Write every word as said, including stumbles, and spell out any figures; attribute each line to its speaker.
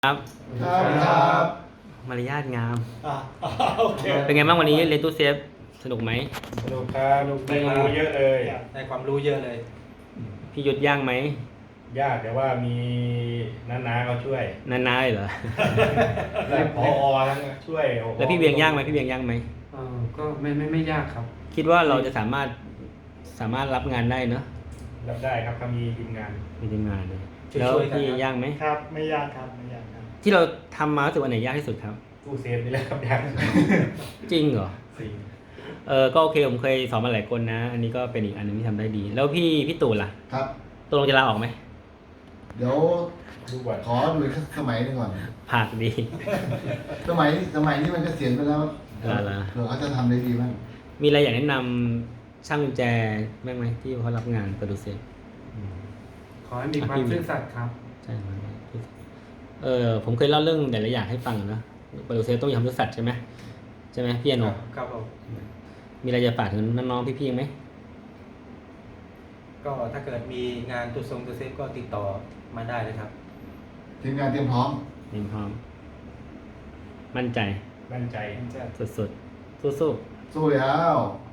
Speaker 1: ครับ
Speaker 2: ครับครับ
Speaker 1: มารยาทงาม
Speaker 2: อ่าโอเค
Speaker 1: เป็นไงบ้างวันนี้เรียนตู้เซฟสนุกไหม
Speaker 2: สนุกครับได้ความรู้เยอะเลย
Speaker 3: ได้ความรู้เยอะเลย
Speaker 1: พี่ยุทธย่างไหม
Speaker 2: ยากแต่ว่ามีน้าๆเขาช่วย
Speaker 1: นานๆเลยเหรอ
Speaker 2: และพอทั้งช่วยโอ้โห
Speaker 1: แล้วพี่เวียงย่างไหมพี่เวียงย่างไหม
Speaker 3: เออก็ไม่ไม่ไม่ยากครับ
Speaker 1: คิดว่าเราจะสามารถสามารถรับงานได้เนอะ
Speaker 2: รับได้ครับถ้ามีทีมงาน
Speaker 1: มีทีมงานเลย
Speaker 3: ช่วยๆ
Speaker 1: แล้ว
Speaker 3: กัน
Speaker 1: พี่
Speaker 3: ครับ
Speaker 1: ย่างไหม
Speaker 4: ครับไม่ยากครับไม่ยากครับ
Speaker 1: ที่เราทำมารู้สึกวันไหนยากที่สุดครับ
Speaker 2: ตู้เซฟนี่แหละครับยาก
Speaker 1: จริงเหรอ
Speaker 2: สี่
Speaker 1: เออก็โอเคผมเคยสอนมาหลายคนนะ อันนี้ก็เป็นอีกอันหนึงที่ทำได้ดี แล้วพี่พี่ตู่ล่ะ
Speaker 5: ครับ
Speaker 1: ตกลงจะลาออกไหม
Speaker 5: เดี๋ยว
Speaker 2: ดูก่อน
Speaker 5: ขอดูอีกสมัยหนึงก่อน
Speaker 1: ผากดี
Speaker 5: สมัยสมัยนี้มันเกษียณไปแล้ว
Speaker 1: ลาลา
Speaker 5: เผื่อเขาจะทำได้ดีบ้าง
Speaker 1: มีอะไรอยากแนะนำช่างกุญแจบ้างไหมที่เขารับงานโปรดิวเซอร์
Speaker 3: ขอให้มีความซื่อสัตย์ครับ
Speaker 1: ใช่ครับเออผมเคยเล่าเรื่องแต่ละอย่างให้ฟังนะโปรดิวเซอร์ต้องมีความรู้สัตย์ใช่ไหมใช่ไหมพี่อโน
Speaker 3: ครับผม
Speaker 1: มีอะไรจะฝากถึงน้องๆพี่ๆไหม
Speaker 3: ก็ถ้าเกิดมีงานตัวทรงตัวเซฟก็ติดต่อมาได้เลยครับ
Speaker 5: ทีมงานเตรียมพร้อม
Speaker 1: เตรียมพร้อม มั่นใจ
Speaker 2: มั่นใจ
Speaker 1: สุดๆสู้ๆ
Speaker 5: สู้แล้ว
Speaker 1: ๆ